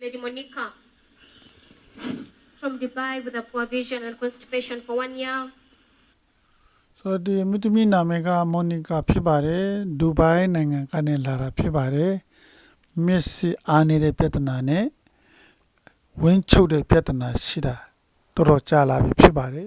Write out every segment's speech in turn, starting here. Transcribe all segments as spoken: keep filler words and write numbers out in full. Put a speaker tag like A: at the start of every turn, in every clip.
A: Lady Monica from Dubai with a poor vision and constipation for one year.
B: So ဒီမိသမီနာမည်ကမော်နီကာဖြစ်ပါတယ်ဒူဘိုင်းနိုင်ငံကနေလာတာဖြစ်ပါတယ်မျက်စိအားနေတဲ့ပြဿနာနဲ့ဝင်းချုပ်တဲ့ပြဿနာရှိတာတော်တော်ကြာလာပြီဖြစ်ပါတယ်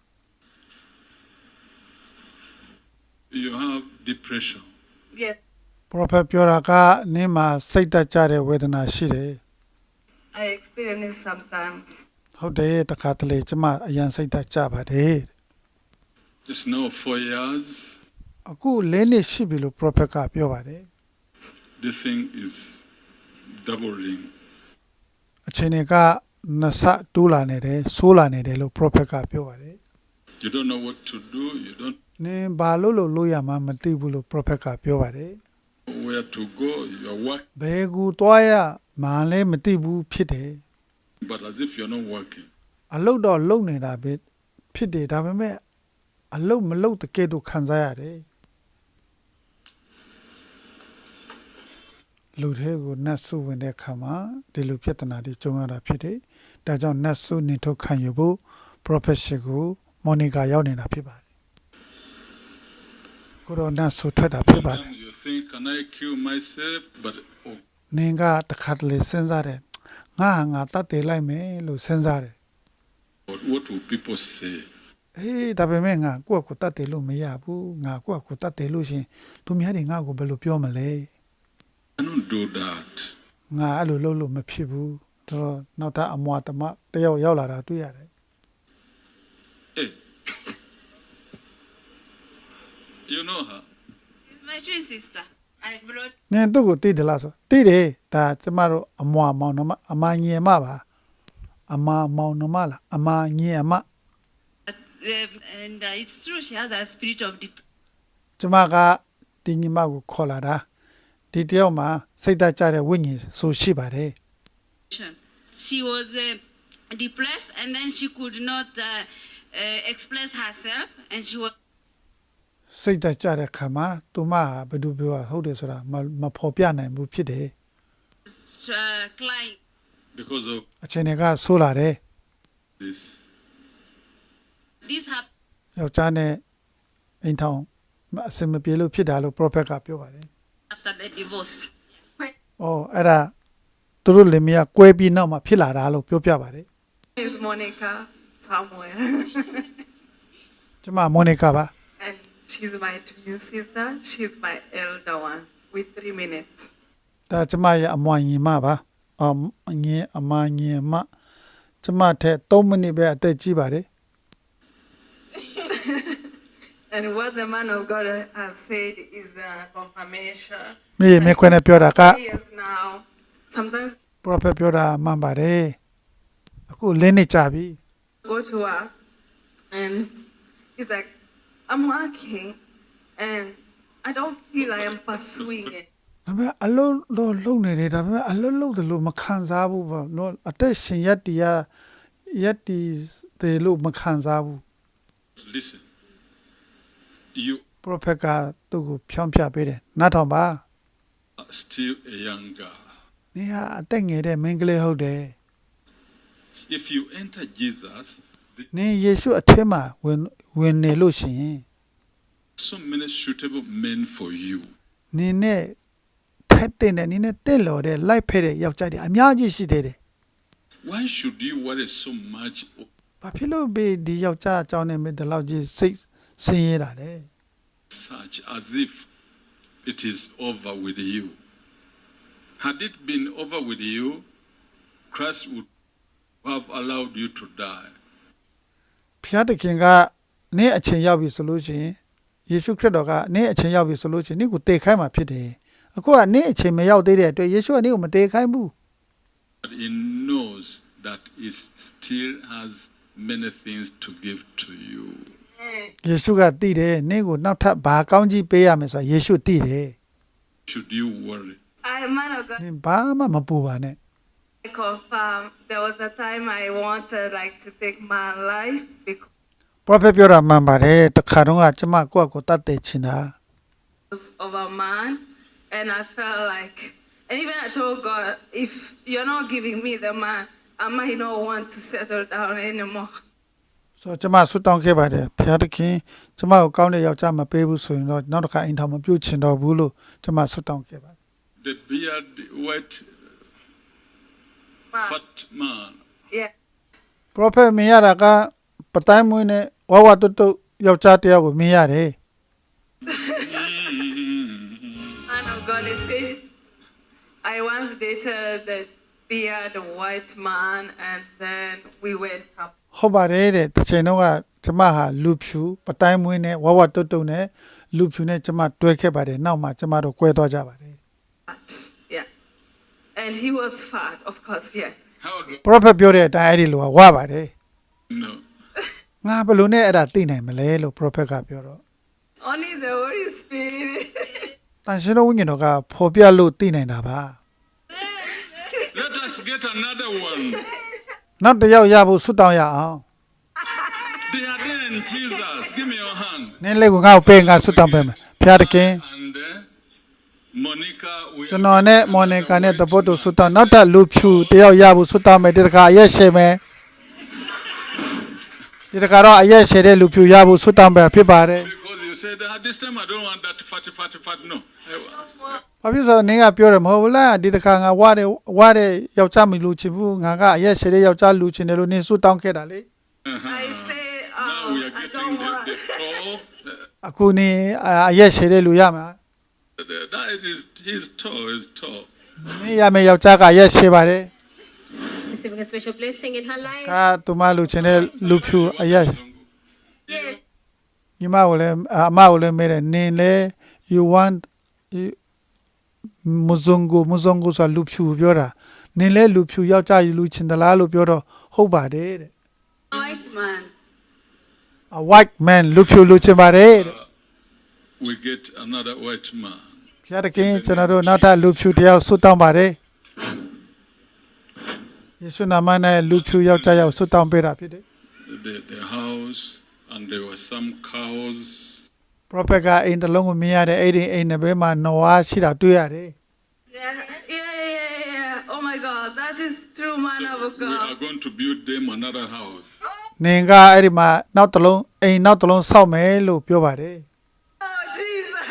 C: You have depression.
D: Yes,
B: Prophet ပြောတာကနင်းမှာစိတ်တက်ကြတဲ့ဝေဒနာရှိတယ်
D: I experience it sometimes.
B: ဟုတ်တယ်တခါတလေကျမအရန်စိတ်တက်ကြပါတယ်
C: It's now four years.
B: အခုလေးနှစ်ရှိပြီလို့ Prophet ကပြောပါတယ်
C: The thing is doubling.
B: အချိန်တွေကနှစ်ဆတိုးလာနေတယ်ဆိုးလာနေတယ်လို့ Prophet ကပြောပါတယ်
C: You don't know what to do. You don't
B: နင်းဘာလို့လို့လို့ရမှာမသိဘူးလို့ Prophet ကပြောပါတယ်
C: know where to go. You're working,
B: ဘယ်ကူသွားရမှန်းလည်းမသိဘူးဖြစ်တယ်
C: but as if you're not working.
B: အလုတ်တော့လုံနေတာပဲဖြစ်တယ်ဒါပေမဲ့အလုတ်မလုတ်တကယ်တော့ခံစားရတယ်လူတွေကိုနတ်ဆုဝင်တဲ့ခါမှာဒီလိုပြဿနာတွေကြုံရတာဖြစ်တယ်ဒါကြောင့်နတ်ဆုနေထုတ်ခံယူဖို့ profession ကိုမော်နီကာရောက်နေတာဖြစ်ပါတယ်ကိုရိုနာဆုထွက်တာဖြစ်ပါတယ်
C: Sometimes you think, can I kill myself? But oh,
B: နင်ကတခါတလေစဉ်းစားတယ်ငါဟာငါတတ်တယ်လိုက်မယ်လို့စဉ်းစားတယ်
C: but what will people say?
B: အေးဒါပေမဲ့ငါကိုယ့်ကိုယ်တတ်တယ်လို့မရဘူးငါကိုယ့်ကိုယ်တတ်တယ်လို့ရှင်သူများတွေငါ့ကိုဘယ်လိုပြောမလဲ
C: I don't do that.
B: ငါအဲ့လိုလုပ်လို့မဖြစ်ဘူးတော်တော်နောက်ထပ်အမွာတမတယောက်ရောက်လာတာတွေ့ရတယ်
C: Hey, you know her.
D: She's my twin sister. I brought
B: နင်သူ့ကိုသိတယ်လားဆိုသိတယ်ဒါကျမတို့အမွာမောင်နှမအမငယ်မပါအမမောင်နှမလားအမငယ်မ
D: uh, and uh, it's true she has a spirit of
B: ကျမကဒီညီမကိုခေါ်လာတာဒီတယောက်မှာစိတ်ဓာတ်ကြတဲ့ဝိညာဉ်ဆိုရှိပါတယ်
D: depression. She was uh, depressed and then she could not uh, uh, express herself and she was
B: စိတ်ဓာတ်ကြတဲ့ခါမှာသူမဟာဘယ်သူပြောဟုတ်တယ်ဆိုတာမမဖော်ပြနိုင်ဘူးဖြစ်တယ်
D: uh, crying.
C: Because of
B: အချိန်တွေကဆိုးလာတယ်
C: this.
D: This happened
B: ယောက်ျားနဲ့အိမ်ထောင်အစင်မပြေလို့ဖြစ်တာလို့ prophet ကပြောပါတယ်
D: after the divorce.
B: ။အော်အဲ့ဒါသူတို့လင်မယားကွဲပြီးနောက်မှာဖြစ်လာတာလို့ပြောပြပါတယ်
E: is Monica somewhere.
B: ။ကျမမော်နီကာပါ
E: And she's my twin sister. She's my elder one with three minutes.
B: ။ဒါကျမရဲ့အမွာညီမပါ။အမငယ်အမငယ်မကျမထက်သုံးမိနစ်ပဲအသက်ကြီးပါတယ်
E: And what the man of God has said is a confirmation.
B: ။မြေမေခွန်းနဲ့ပြောတာက
E: Yes, now sometimes
B: prophet ပြောတာမှန်ပါတယ်။အခုလင်းနေကြပြီ
E: I go to work and he's like, I'm working and I don't feel I am pursuing it.
B: ။ဒါပေမဲ့အလုံးတော့လုံနေတယ်ဒါပေမဲ့အလုံးလုံးတယ်လို့မခံစားဘူးပေါ့နော်အသက်ရှင်ရက်တီးရရက်တီးတယ်လို့မခံစားဘူး
C: Listen, you
B: prophet ကသူ့ကိုဖြောင်းပြပေးတယ်နားထောင်ပါ
C: are still a young girl.
B: နေဟာအသက်ငယ်တဲ့မင်းကလေးဟုတ်တယ်
C: If you enter Jesus, there
B: နင်ယေရှုအထဲမှာဝင်ဝင်နေလို့ရှိရင်
C: are so many suitable men for you.
B: နင်နဲ့ဖက်တဲ့နဲ့နင်နဲ့တက်လော်တဲ့လိုက်ဖက်တဲ့ယောက်ျားတွေအများကြီးရှိသေးတယ်
C: Why should you worry so much?
B: ။ဘာဖြစ်လို့ဘေးဒီယောက်ျားအကြောင်းနဲ့မင်းဒီလောက်ကြီးစိတ်ဆင်းရဲတာလဲ
C: Such as if it is over with you. Had it been over with you, Christ would have allowed you to die.
B: ။ဖျားတခင်ကနင်အချိန်ရောက်ပြီဆိုလို့ရှိရင်ယေရှုခရစ်တော်ကနင်အချိန်ရောက်ပြီဆိုလို့ရှိရင်နင်ကိုတည်ခိုင်းမှာဖြစ်တယ်။အခုကနင်အချိန်မရောက်သေးတဲ့အတွက်ယေရှုကနင်ကိုမတည်ခိုင်းဘူး
C: But he knows that he still has many things to give to you.
B: ။ယေရှုကတည်တယ်နင်ကိုနောက်ထပ်ဘာကောင်းကြီးပေးရမယ်ဆိုတာယေရှုတည်တယ်
C: Should you worry?
E: I, man of God,
B: နင်ဘာမှမပူပါနဲ့
E: I confirm there was a time I wanted like to take my life because
B: prophet ပြောတာမှန်ပါတယ်တခါတော့ကကျမကိုယ့်အကိုတတ်တယ်ချင်တာ
E: of a man and I felt like And even I told God, if you're not giving me the man, I might not want to settle down anymore.
B: ဆိုတော့ကျမဆွတောင်းခဲ့ပါတယ်ဖခင်တခင်ကျမကိုကောင်းတဲ့ယောက်ျားမပေးဘူးဆိုရင်တော့နောက်တစ်ခါအိမ်ထောင်မပြုတ်ချင်တော့ဘူးလို့ကျမဆွတောင်းခဲ့ပါတယ်
C: The beard, white,
E: Man.
C: fat man.
E: Yeah.
B: prophet မြင်ရတာကပတိုင်းမွေးနဲ့ဝဝတုတ်တုတ်ယောက်ျားတစ်ယောက်ကိုမြင်ရတယ်
E: Man of God, it says, I once dated the beard white man, and then we went up.
B: ဟုတ်ပါတယ်တဲ့တစ်ချိန်တော့ကကျမဟာလူဖြူပတိုင်းမွေးနဲ့ဝဝတုတ်တုတ်နဲ့လူဖြူနဲ့ကျမတွဲခဲ့ပါတယ်နောက်မှကျမတို့ကွဲသွားကြပါတယ်
E: Fat. Yeah. And he was fat, of course, yeah.
C: How do
B: prophet ပြောတဲ့အတိုင်းအဲ့ဒီလိုကဝပါတယ်
C: you know?
B: ငါဘယ်လိုနဲ့အဲ့ဒါသိနိုင်မလဲလို့ prophet ကပြောတော့
E: Only the Holy Spirit.
B: တန်ရှင်တော်ဝိညာဉ်တော်ကဖော်ပြလို့သိနိုင်တာပါ
C: Let us get another one.
B: နောက်တစ်ယောက်ရဖို့ဆုတောင်းရအောင်
C: They are there in Jesus. Give me your hand.
B: နင်းလေးကိုငါ့ကိုပေးငါဆုတောင်းပေးမယ်ဖခင်တခင်
C: And uh, Monica, we
B: ကျွန်တော်နဲ့မော်နီကာနဲ့တပုတ်တို့ဆုတောင်းနောက်ထပ်လူဖြူတစ်ယောက်ရဖို့ဆုတောင်းမယ်ဒီတခါအရက်ရှည်မယ်ဒီတခါတော့အရက်ရှည်တဲ့လူဖြူရဖို့ဆုတောင်းပေးဖြစ်ပါတယ်
C: because you said ah, this time I don't want that fatty, fatty, fat. No. I-
B: ဘာဖြစ်ဆိုနင်းကပြောတယ်မဟုတ်ဘူးလားဒီတခါငါဝတဲ့ဝတဲ့ယောက်ျားမလူချင်ဘူးငါကအရက်ရှည်တဲ့ယောက်ျားလူချင်တယ်လို့နင်းဆုတောင်းခဲ့တာလေ
E: I say,
C: Now
E: oh,
C: we are
E: I
C: getting
E: don't
C: the,
E: want.
C: the tall. Uh,
B: အခုနင်းအရက်ရှည်တဲ့လူရမှာ
C: the, that is, he's tall. He's tall.
B: နင်းရမယ်ယောက်ျားကအရက်ရှည်ပါတယ်
A: Receiving a special blessing in her life.
B: ကသူမလူချင်တဲ့လူဖြူအရက်
E: Yes.
B: ညီမကိုလည်းအမကိုလည်းမဲတယ်နင်းလေ you want you- မဇုံကိုမဇုံကိုဆိုလူဖြူပြောတာနင်းလဲလူဖြူယောက်ျားယူလူချင်သလားလို့ပြောတော့ဟုတ်ပါတယ်တဲ့
E: White man.
B: a white man လူဖြူလူချင်ပါတယ်တဲ့
C: We get another white man.
B: ဖျားတခင်ကျွန်တော်တို့နောက်ထပ်လူဖြူတစ်ယောက်ဆွတ်တောင်းပါတယ်ယေရှုနာမနဲ့လူဖြူယောက်ျားယောက်ဆွတ်တောင်းပေးတာဖြစ်တယ်
C: The, the house, and there were some cows.
B: prophet ကအိမ်တစ်လုံးကိုမြင်ရတဲ့အဲ့ဒီအိမ်တစ်ဘက်မှာနွားရှိတာတွေ့ရတယ်
E: Yeah, yeah, yeah, yeah, yeah. Oh my God, that is true, man
C: So
E: of
C: we
E: God.
C: are going to build them another house.
B: နင်ကအဲ့ဒီမှာနောက်တစ်လုံးအိမ်နောက်တစ်လုံးဆောက်မယ်လို့ပြောပါတယ်
E: Oh, Jesus.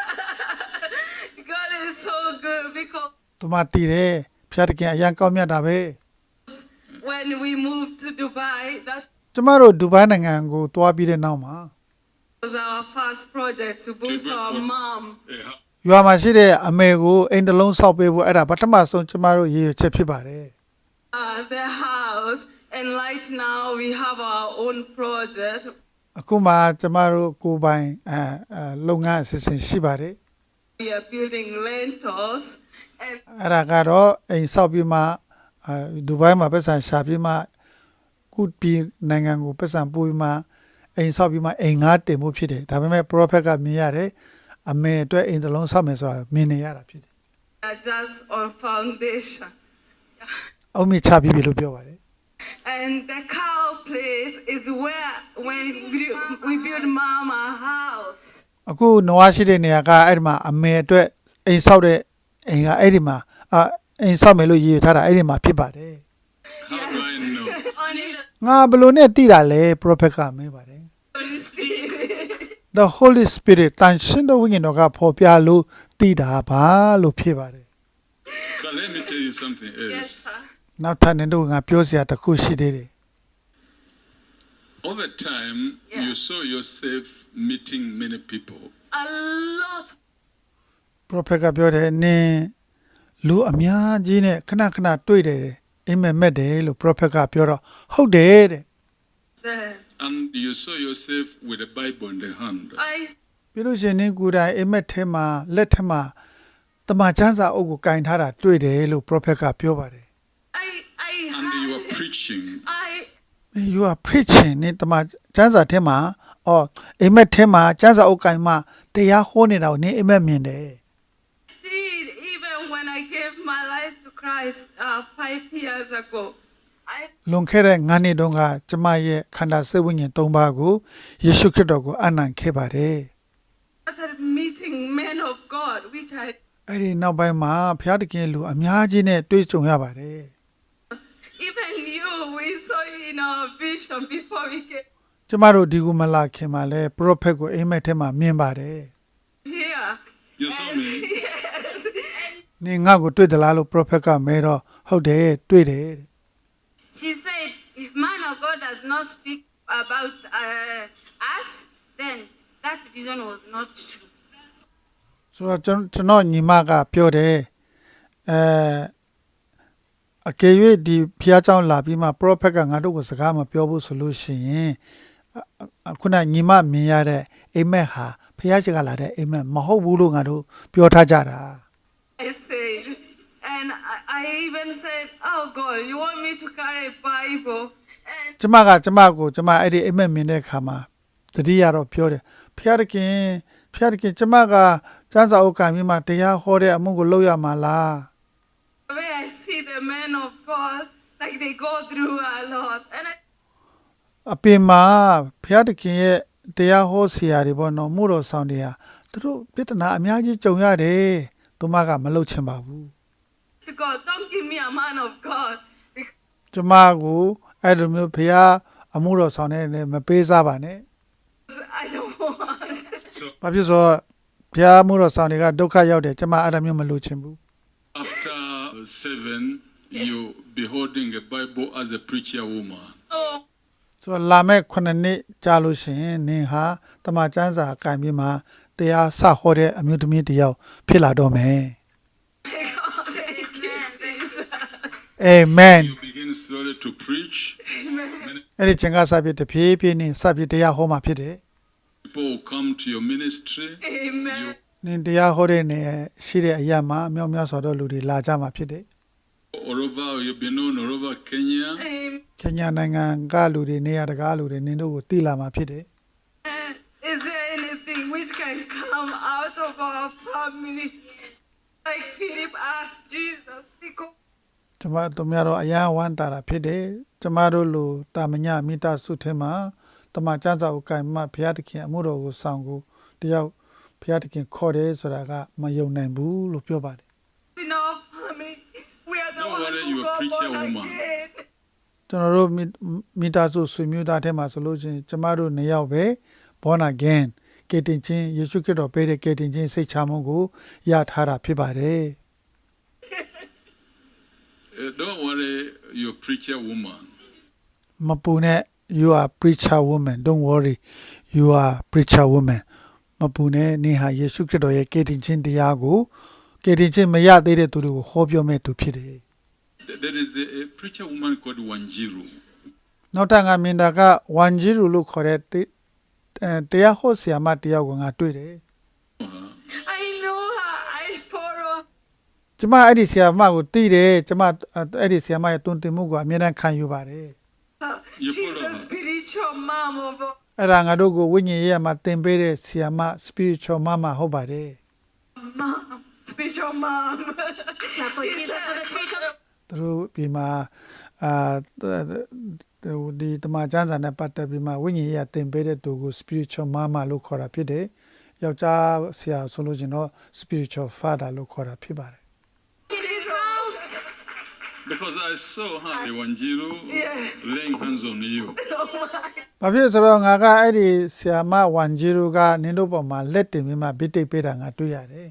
E: God is so good because
B: သူမတည်တယ်ဖျားတခင်အရန်ကောင်းမြတ်တာပဲ
E: when we moved to Dubai, that
B: ကျမတို့ဒူဘိုင်းနိုင်ငံကိုတွားပြီးတဲ့နောက်မှာ
E: was our first project to both
C: build
E: our
C: for-
E: mom.
C: A hou-
B: ရွာမှာရှိတဲ့အမေကိုအိမ်တစ်လုံးဆောက်ပေးဖို့အဲ့ဒါပထမဆုံးကျမတို့ရည်ရွယ်ချက်ဖြစ်ပါတယ်
E: Uh, the house, and right now we have our own project.
B: အခုမှကျမတို့ကိုယ်ပိုင်အဲအဲလုပ်ငန်းအစီအစဉ်ရှိပါတယ်
E: We are building rentals, and
B: အဲ့ဒါကတော့အိမ်ဆောက်ပြီးမှအဲဒူဘိုင်းမှာပတ်စံရှာပြီးမှကုပြည်နိုင်ငံကိုပတ်စံပို့ပြီးမှအိမ်ဆောက်ပြီးမှအိမ်ငါးတင်မှုဖြစ်တယ်ဒါပေမဲ့ prophet ကမြင်ရတယ်အမေအတွက်အိမ်တစ်လုံးဆောက်မယ်ဆိုတာမြင်နေရတာဖြစ်တယ်
E: we are just on foundation.
B: အုံမြင့်ချပြီးပြီလို့ပြောပါတယ်
E: And the cow place is where when we, we build mama house.
B: အခုနွားရှိတဲ့နေရာကအဲ့ဒီမှာအမေအတွက်အိမ်ဆောက်တဲ့အိမ်ကအဲ့ဒီမှာအအိမ်ဆောက်မယ်လို့ရည်ရွယ်ထားတာအဲ့ဒီမှာဖြစ်ပါတယ်
C: How do I know?
E: Only the
B: ငါဘယ်လိုနဲ့တည်တာလဲ prophet ကမေးပါတယ်
E: Holy Spirit.
B: the holy spirit တန်ရှင်တော်ဝိညာဉ်တော်ကဖော်ပြလို့တည်တာပါလို့ဖြစ်ပါတယ်
C: But let me tell you something else.
E: Yes, sir.
B: နောက်ထပ်နေတော့ငါပြောစရာတစ်ခုရှိသေးတယ်
C: Over time,
E: Yeah.
C: you saw yourself meeting many people.
E: A lot.
B: prophet ကပြောတယ်နင်လူအများကြီးနဲ့ခဏခဏတွေ့တယ်အိမ်မက်မက်တယ်လို့ prophet ကပြောတော့ဟုတ်တယ်တဲ့
E: Then
C: And you saw yourself with a Bible in the hand.
E: I,
B: ပြီးလို့ရှရင်နင်ကိုယ်တိုင်အိမ်မက်ထဲမှာလက်ထက်မှာတမန်ကျမ်းစာအုပ်ကိုကင်ထားတာတွေ့တယ်လို့ prophet ကပြောပါတယ်
E: I, I
C: And you
E: had,
C: are preaching.
E: I,
B: you are preaching နင်တမန်ကျမ်းစာထဲမှာအော်အိမ်မက်ထဲမှာကျမ်းစာအုပ်ကင်မှာတရားဟောနေတာကိုနင်အိမ်မက်မြင်တယ်
E: did even when I gave my life to Christ uh, five years ago. I
B: လွန်ခဲ့တဲ့ငါးနှစ်တုန်းကကျမရဲ့ခန္ဓာစိတ်ဝိညာဉ်သုံးပါးကိုယေရှုခရစ်တော်ကိုအနံ့ခဲ့ပါတယ်
E: started meeting men of God, which I
B: အဲ့ဒီနောက်ပိုင်းမှာဘုရားတခင်လူအများကြီးနဲ့တွေ့ကြုံရပါတယ်
E: Even you, we saw you in our vision before we came
B: ကျမတို့ဒီကူမလာခင်မှာလဲပရောဖက်ကိုအိမ်မက်ထဲမှာမြင်ပါတယ်
E: here.
C: You saw me?
E: Yes.
B: နင်ငါ့ကိုတွေ့သလားလို့ပရောဖက်ကမဲတော့ဟုတ်တယ်တွေ့တယ်တဲ့
D: She said, if man of God does not speak about uh, us, then that vision was not true.
B: ဆိုတော့ကျွန်ကျွန်တော်ညီမကပြောတယ်အဲအကယ်၍ဒီဖျားเจ้าလာပြီးမှပရောဖက်ကငါတို့ကိုစကားမပြောဘူးဆိုလို့ရှိရင်ခုနညီမမြင်ရတဲ့အိမ်မက်ဟာဖျားချက်ကလာတဲ့အိမ်မက်မဟုတ်ဘူးလို့ငါတို့ပြောထားကြတာ
E: I said, and I, I even said, oh God, you want me to carry a Bible? And
B: ကျမကကျမကိုကျမအဲ့ဒီအိမ်မက်မြင်တဲ့အခါမှာတတိယတော့ပြောတယ်ဖျားတခင်ဖျားတခင်ကျမကစမ်းစာအုပ်ကံပြီးမှတရားဟောတဲ့အမှုကိုလုပ်ရမှာလား
E: the way I see the men of God, like they go through a lot. And I
B: အပြင်မှာဘုရားသခင်ရဲ့တရားဟောဆရာတွေပေါ့နော်မှုတော်ဆောင်တွေဟာသူတို့ပြဿနာအများကြီးကြုံရတယ်သူမကမလုပ်ချင်ပါဘူး
E: to God, don't give me a man of God. Because
B: ကျမကိုအဲ့လိုမျိုးဘုရားအမှုတော်ဆောင်တဲ့နဲ့မပေးစားပါနဲ့
E: I don't want.
C: So
B: ဘာဖြစ်ဆိုတော့ဘုရားအမှုတော်ဆောင်တွေကဒုက္ခရောက်တယ်ကျမအဲ့လိုမျိုးမလုပ်ချင်ဘူး
C: after seven, you be holding a Bible as a preacher woman.
E: Oh,
B: ဆိုတော့လာမဲ့ခုနှစ်နှစ်ကြာလို့ရှိရင်နင်ဟာတမန်ကျမ်းစာအကင်ပြီးမှတရားစဟောတဲ့အမျိုးသမီးတစ်ယောက်ဖြစ်လာတော့မယ်
E: God, thank you, Jesus.
B: အာမင်
C: You begin slowly to preach. Many
B: အဲ့ဒီချိန်ကစပြီးတဖြည်းဖြည်းနဲ့စပြီးတရားဟောမှာဖြစ်တယ်
C: people will come to your ministry.
E: Amen.
B: နင်တရားဟောတဲ့နေရှိတဲ့အရာမှာအမြောက်များစွာသောလူတွေလာကြမှာဖြစ်တယ်
C: All over, you'll be known all over Kenya.
E: Amen.
B: ။ခင်ညာနိုင်ငံကလူတွေနေရာတကားလူတွေနင်တို့ကိုတည်လာမှာဖြစ်တယ်
E: Is there anything which can come out of our family? Like Philip asked Jesus, because
B: ။ကျမတို့များတော့အယံဝမ်းတာတာဖြစ်တယ်။ကျမတို့လူတာမညမိသားစုထဲမှာတမန်ကျမ်းစာကိုကင်မှဘုရားသခင်အမှုတော်ကိုဆောင်ကိုတယောက်ဘုရားသခင်ခေါ်တယ်ဆိုတာကမယုံနိုင်ဘူးလို့ပြောပါတယ်
E: in our family, we are the
C: Don't
E: ones
C: worry,
E: who
C: you're a
E: got
C: preacher
E: born
C: woman.
E: again.
B: ။ကျွန်တော်တို့မိမိသားစုဆွေမျိုးသားထဲမှာဆိုလို့ချင်းကျမတို့နှစ်ယောက်ပဲ born again ကေတင်ချင်းယေရှုခရစ်တော်ပေးတဲ့ကေတင်ချင်းစိတ်ချမှုကိုရထားတာဖြစ်ပါတယ်
C: Uh, don't worry, you're a preacher woman.
B: မပူနဲ့ you are preacher woman don't worry you are preacher woman မပူနဲ့နေဟာယေရှုခရစ်တော်ရဲ့ကယ်တင်ခြင်းတရားကိုကယ်တင်ခြင်းမရသေးတဲ့သူတွေကိုဟောပြောမဲ့သူဖြစ်တယ်
C: Th- There is a, a preacher woman called Wanjiru.
B: နောက်ထပ်ငါမြင်တာကဝန်ဂျီရူလို့ခေါ်တဲ့တေအဲတရားဟောဆရာမတယောက်ကိုငါတွေ့တယ်
E: I know her, I follow.
B: ကျမအဲ့ဒီဆရာမကိုသိတယ်ကျမအဲ့ဒီဆရာမရဲ့တွင်တင်မှုကိုအမြဲတမ်းခံယူပါတယ်
E: her.
C: You
E: She's
C: follow
E: a
C: her.
E: spiritual mom of a
B: အဲ့ဒါငါတို့ကိုဝိညာဉ်ရေးမှာသင်ပေးတဲ့ဆရာမ spiritual mama ဟုတ်ပါတယ်
E: mom, spiritual mom.
A: Clap for
E: She's
A: Jesus for the spirit of
B: သူတို့ဒီမှာအာဒီတမန်ကျမ်းစာနဲ့ပတ်သက်ပြီးမှဝိညာဉ်ရေးသင်ပေးတဲ့သူကို spiritual mama လို့ခေါ်တာဖြစ်တယ်ယောက်ျားဆရာဆိုလို့ရှင်တော့ spiritual father လို့ခေါ်တာဖြစ်ပါတယ်
E: in his house.
C: Because I saw her, the Wanjiru,
E: Yes.
C: laying hands on you.
E: Oh my.
B: ။ဘာဖြစ်ဆိုတော့ငါကအဲ့ဒီဆရာမဝန်ဂျီရူကနင်တို့ပေါ်မှာလက်တင်ပြီးမှဗိတိတ်ပေးတာငါတွေ့ရတယ်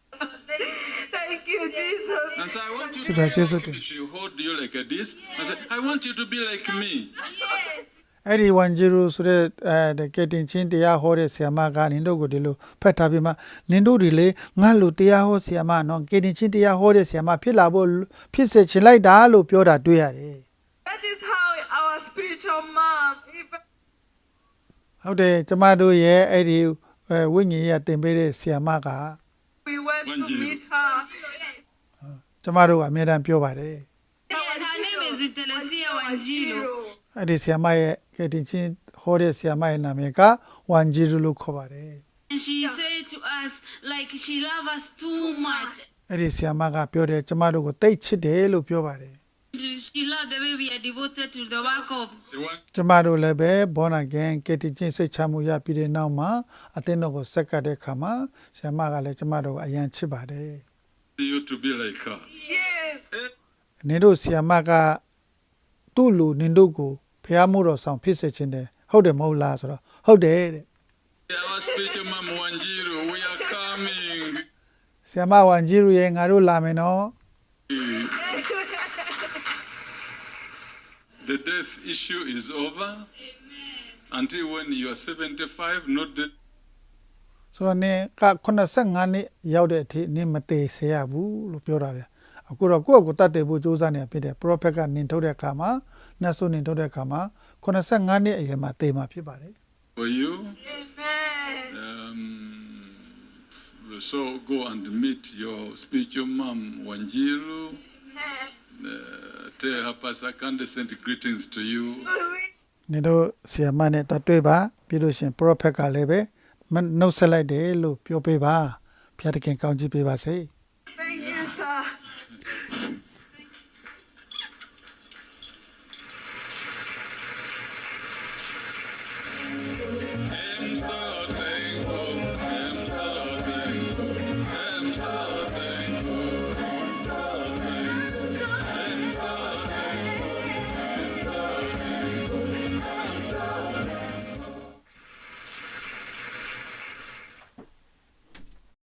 E: Thank you, Jesus.
C: And so I want you
B: Super, Jesus.
C: to she hold you like this. I said, I want you to be like me.
B: ။အဲ့ဒီဝန်ဂျီရူဆိုတဲ့အဲကက်တင်ချင်းတရားဟောတဲ့ဆရာမကနင်တို့ကိုဒီလိုဖတ်ထားပြီးမှနင်တို့တွေလေငါလိုတရားဟောဆရာမနော်ကက်တင်ချင်းတရားဟောတဲ့ဆရာမဖြစ်လာဖို့ဖြစ်စေချင်လိုက်တာလို့ပြောတာတွေ့ရတယ်
E: That is how our spiritual mom, even
B: ။ဟုတ်တယ်ကျမတို့ရဲ့အဲ့ဒီဝိညာဉ်ရေးသင်ပေးတဲ့ဆရာမက
E: we went to
C: Wanjiru.
E: meet her.
B: ကျမတို့ကအမြဲတမ်းပြောပါတယ်
D: Yes, her name is Telesia Wanjiru.
B: အဲ့ဒီဆရာမရဲ့ကက်တင်ချင်းဟောတဲ့ဆရာမရဲ့နာမည်ကဝန်ဂျီရူလို့ခေါ်ပါတယ်
D: And she said to us, like, she loves us too much.
B: အဲ့ဒီဆရာမကပြောတယ်ကျမတို့ကိုတိတ်ချစ်တယ်လို့ပြောပါတယ်
D: She loved the way we are devoted to the work of.
C: She want
B: ကျမတို့လည်းပဲ born again ကယ်တင်ခြင်းစိတ်ချမှုရပြီးတဲ့နောက်မှာအသင်းတော်ကိုဆက်ကတဲ့အခါမှာဆရာမကလည်းကျမတို့ကိုအယံချစ်ပါတယ်
C: you to be like her.
E: Yes.
C: Eh,
B: နင်တို့ဆီယမကသူ့လူနင်တို့ကိုဖျားမှုတော်ဆောင်ဖြစ်စေခြင်းတယ်ဟုတ်တယ်မဟုတ်လားဆိုတော့ဟုတ်တယ်တဲ့
C: Our spiritual mom Wanjiru, we are coming.
B: ဆီယမဝန်ကြီးရရဲ့ငါတို့လာမယ်နော်
C: The death issue is over. Until when you are seventy-five, not the
B: ဆိုတော့နင်က85နှစ်ရောက်တဲ့အထိနင်မသေးစေရဘူးလို့ပြောတာဗျအခုတော့ကိုယ့်အကိုတတ်တယ်ဖို့စူးစမ်းနေဖြစ်တယ် prophet ကနင်ထုတ်တဲ့အခါမှာနတ်ဆိုနင်ထုတ်တဲ့အခါမှာ85နှစ်အရွယ်မှာသေမှာဖြစ်ပါတယ်
C: for you.
D: Amen.
C: Um, so go and meet your spiritual mom Wanjiru. Uh, tell her Pastor Kande sent greetings to you.
B: နင်တို့ဆီယမနဲ့တွေ့တွေ့ပါပြီးလို့ရှရင် prophet ကလည်းပဲနှုတ်ဆက်လိုက်တယ်လို့ပြောပေးပါဖျားတခင်ကောင်းချီးပေးပါစေ